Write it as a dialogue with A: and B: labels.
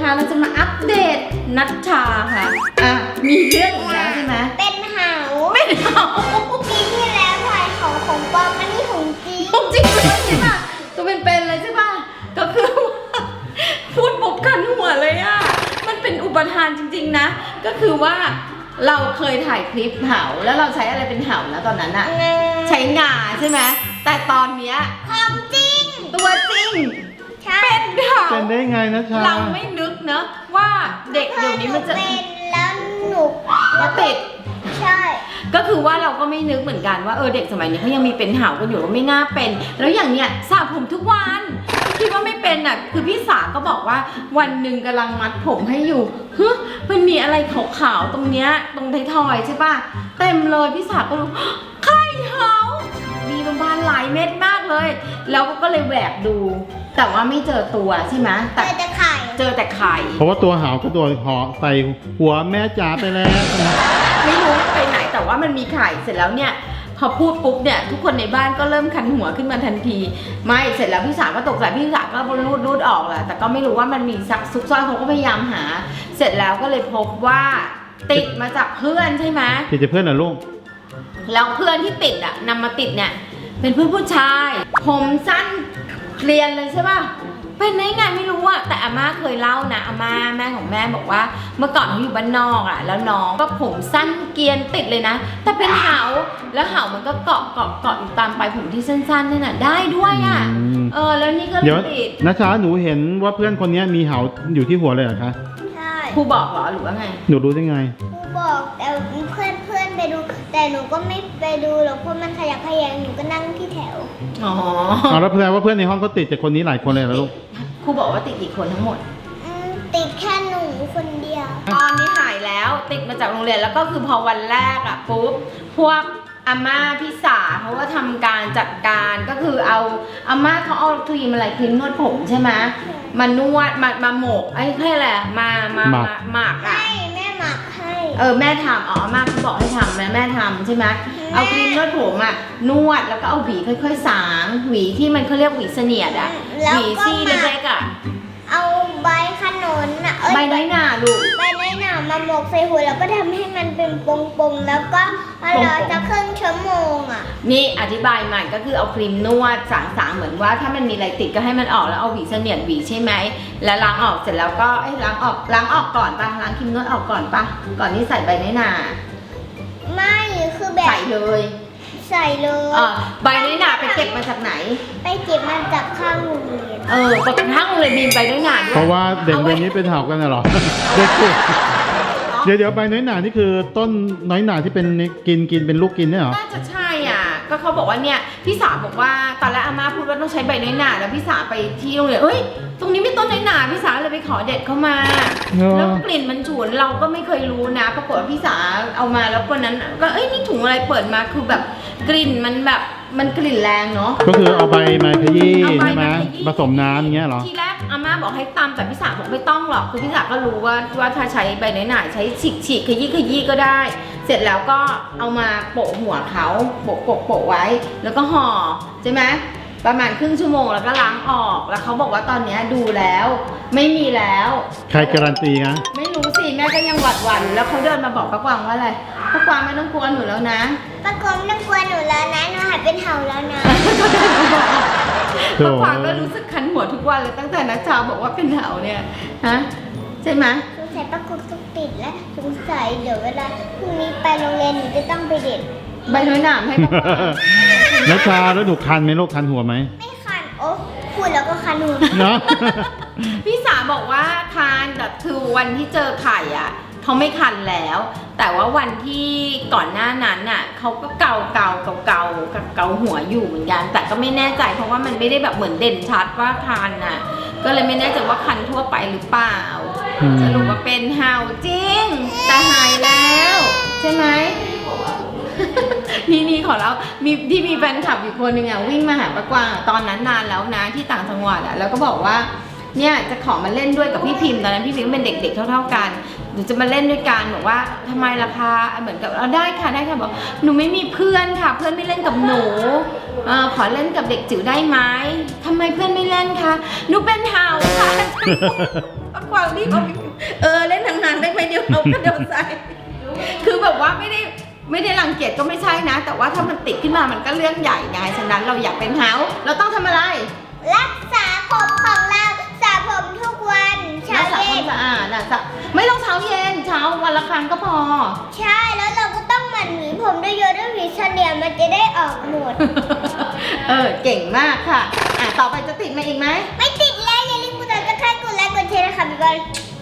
A: นะคะเราจะมาอัปเดตนัชชาค่ะมีเรื่องอีกแล้วใช่ไหม
B: เป็นเหา
A: เป็นเหา
B: ปีที่แล้วถ่ายของปลอมอันนี้ของจริง
A: ของจริงเลยใช่ป่ะตัวเป็นเลยใช่ป่ะก็คือพูดปุ๊บคันหัวเลยอ่ะมันเป็นอุปทานจริงๆนะก็คือว่าเราเคยถ่ายคลิปเหาแล้วเราใช้อะไรเป็นเหานะตอนนั้นอะใช้งาใช่ไหมแต่ตอนเนี้ย
B: ของจริง
A: ตัวจริงเป็นเหา
C: เป็นได้ไงนะชา
A: เราไม่นึกนะว่าเด็กเดี๋ยวนี้มันจะ
B: เป็นแล้วหนุก
A: แล้วติด
B: ใช่
A: ก็คือว่าเราก็ไม่นึกเหมือนกันว่าเด็กสมัยนี้เขายังมีเป็นเหากันอยู่ก็ไม่น่าเป็นแล้วอย่างเนี้ยสระผมทุกวันคิดว่าไม่เป็นอ่ะคือพี่สาก็บอกว่าวันหนึ่งกำลังมัดผมให้อยู่มันมีอะไรขาวๆตรงเนี้ยตรงไททอยใช่ป่ะเต็มเลยพี่สาก็รู้ไข่เหามีประมาณหลายเม็ดมากเลยแล้วก็เลยแหวกดูแต่ว่าไม่เจอตัวใช่ไหม
B: แต่เจอแต่ไข่
C: เพราะว่าตัวหาวก็ตัวหอใส่หัวแม่จ๋าไปแล้ว
A: ไม่รู้ไปไหนแต่ว่ามันมีไข่เสร็จแล้วเนี่ยพอพูดปุ๊บเนี่ยทุกคนในบ้านก็เริ่มคันหัวขึ้นมาทันทีไม่เสร็จแล้วพี่สาวก็ตกใจพี่สาวก็รูดออกแหละแต่ก็ไม่รู้ว่ามันมีซุกซ่อนเขาก็พยายามหาเสร็จแล้วก็เลยพบว่าติดมาจากเพื่อนใช่ไหม
C: ติดจากเพื่อนเหรอลูก
A: แล้วเพื่อนที่ติดอ่ะนำมาติดเนี่ยเป็นเพื่อนผู้ชายผมสั้นเกลียนเลยใช่ป่ะเป็นไงไม่รู้อะแต่อาม่าเคยเล่านะอาม่าแม่ของแม่บอกว่าเมื่อก่อนเขาอยู่บ้านนอกอะแล้วน้องก็ผมสั้นเกรียนติดเลยนะแต่เป็นเหาแล้วเหามันก็เกาะอยู่ตามปลายผมที่สั้นๆนั่นน่ะได้ด้วยอะแล้วนี่ก็ติด
C: นะชาหนูเห็นว่าเพื่อนคนนี้มีเหาอยู่ที่หัวเลยเหรอคะ
B: ใช่
A: ครูบอกเหรอหรือว่าไง
C: หนูรู้ได้ไง
B: ครูบอกแต่เพื่อนไปดูแต่หนูก็ไม่ไปดูหรอกเพราะมันขยับขยงหนูก็นั่งที่แถว
C: แล้วแสดงว่าเพื่อนในห้องก็ติดจากคนนี้หลายคนเลยเหรอลูก
A: ครูบอกว่าติดกี่คนทั้งหมด
B: ติดแค่หนูคนเดียว
A: ตอนนี้หายแล้วติดมาจากโรงเรียนแล้วก็คือพอวันแรกอะปุ๊บพวกอาม่าพี่สาเขาก็ทำการจัดการก็คือเอาอาม่าเขาเอาครีมอะไรครีมนวดผมใช่ไหมมานวดมาหมกไอ้แค่อะไรมาหมักอะ
B: ให้แม่หมักให้
A: แม่ทำอาม่าเขาบอกให้ทำแม่ทำใช่ไหมเอาครีมนวดผมอะนวดแล้วก็เอาหวีค่อยๆสางหวีที่มันเขาเรียกหวีเสนียดอะหวีซี่เล็กๆอะ
B: เอาใบขนุน
A: ใบน้อยหนาลูก
B: ใบน้อยหนามาหมกใส่หัวแล้วก็ทำให้มันเป็นปงๆแล้วก็รอจะครึ่งชั่วโมงอ่ะ
A: นี่อธิบายใหม่ก็คือเอาครีมนวดสางเหมือนว่าถ้ามันมีอะไรติดก็ให้มันออกแล้วเอาหวีเสนียดหวีใช่ไหมแล้วล้างออกเสร็จแล้วก็ล้างออกก่อนป่ะล้างครีมนวดออกก่อนป่ะก่อนที่ใส่ใบน้อยหนา
B: ไม่คือแบบ
A: ใส่เลยใบน้อยหนาไปเก็บมาจากไหน
B: ไปเก็บมาจากข้างโรงเรียน
A: ปกติข้างโรงเรียนมีใบน้อยหนาด้วย
C: เพราะว่าเด็กเวรนี้เป็นเหากันน่ะหรอเดี๋ยวใบน้อยหนานี่คือต้นน้อยหนาที่เป็นกินเป็นลูกกินเนี่ยหรอ
A: น่าจะใช่อ่ะก็เขาบอกว่าเนี่ยพี่สาวบอกว่าตอนแรกอาม่าพูดว่าต้องใช้ใบน้อยหนาแล้วพี่สาวไปที่โรงเรียนตรงนี้ไม่ต้นน้อยหนาพี่สาวเลยไปขอเด็ดเข้ามาแล้วกลิ่นมันฉุนเราก็ไม่เคยรู้นะปรากฏว่าพี่สาวเอามาแล้วคนนั้นก็นี่ถุงอะไรเปิดมาคือแบบกลิ่นมันแบบมันกลิ่นแรงเนาะ
C: ก็คือเอาใบมาขยี้ใช่ไหมผสมน้ำอย่างเงี้ยหรอ
A: ทีแรกอาม่าบอกให้ตำแต่พี่สาวบอกไม่ต้องหรอกคือพี่สาวก็รู้ว่าถ้าใช้ใบน้อยหนาใช้ฉีกขยี้ก็ได้เสร็จแล้วก็เอามาโปะหัวเขาโปะไว้แล้วก็ห่อใช่ไหมประมาณครึ่งชั่วโมงแล้วก็ล้างออกแล้วเขาบอกว่าตอนนี้ดูแล้วไม่มีแล้ว
C: ใครการันตีนะ
A: ไม่รู้สิแม่ก็ยังหวั่นแล้วเขาเดินมาบอกป้ากวางว่าอะไรป้ากวางไม่ต้องกลัวหนูแล้วนะ
B: ป้ากวางไม่ต้องกลัวหนูแล้วนะหนูหายเป็นเหาแล้วนะ
A: ป้ากวางก็รู้สึกคันหัวทุกวันเลยตั้งแต่นัชชาบอกว่าเป็นเหาเนี่ยฮะใช่ไหม
B: สงสัยป้ากวางต้องติดและสงสัยเดี๋ยวเวลาพรุ่งนี้ไปโรงเรียนหนูจะต้องไปเด็ด
A: ใบน้อยหนามให้ป้ากวาง
C: นัชชาแล้วหนูคันไหมลูกคันหัวไหม
B: ไม่คันพูดแล้วก็คันหัว
C: เนาะ
A: พี่สาบอกว่าคันแต่คือวันที่เจอไข่อ่ะเขาไม่คันแล้วแต่ว่าวันที่ก่อนหน้านั้นน่ะเขาก็เกาหัวอยู่เหมือนกันแต่ก็ไม่แน่ใจเพราะว่ามันไม่ได้แบบเหมือนเด่นชัดว่าคันน่ะก็เลยไม่แน่ใจว่าคันทั่วไปหรือเปล่าสรุปว่าเป็นเหาจริงแต่หายแล้วใช่ไหมนี่ขอแล้วมีแฟนคลับอยู่คนหนึ่งอ่ะวิ่งมาหาป้ากวางตอนนั้นนานแล้วนะที่ต่างจังหวัดอ่ะแล้วก็บอกว่าเนี่ยจะขอมาเล่นด้วยกับพี่พิมพ์ตอนนั้นพี่พิมพ์เป็นเด็กๆเท่าๆกันหนูจะมาเล่นด้วยกันบอกว่าทำไมล่ะคะเหมือนกับได้ค่ะบอกหนูไม่มีเพื่อนค่ะเพื่อนไม่เล่นกับหนูขอเล่นกับเด็กจิ๋วได้ไหมทำไมเพื่อนไม่เล่นคะหนูเป็นเหาค่ะป้ากววางรีบเอาเล่นห่างๆได้ไหมเดี๋ยวเอากระโดดใส่คือแบบว่าไม่ได้รังเกียจก็ไม่ใช่นะ แต่ว่าถ้ามันติดขึ้นมามันก็เรื่องใหญ่ไงฉะนั้นเราอยากเป็นเฮาเราต้องทำอะไร
B: รักษาผมของเราสระผมทุกวันเช้า
A: รักษาค
B: เย็
A: วาม
B: น
A: สะอาดนะไม่ต้องเช้าเย็นเช้าวันละครั้งก็พอ
B: ใช่แล้วเราก็ต้องหมั่นหวีผมด้วยเยอะด้วยหวีเฉลี่ยมันจะได้ออกหมด
A: เก่งมากค่ะต่อไปจะติดมาอีกไหม
B: ไม่ติดแล้วอย่าลืมกดติดตามกดไลค์กดแชร์นะคะบ๊ายบาย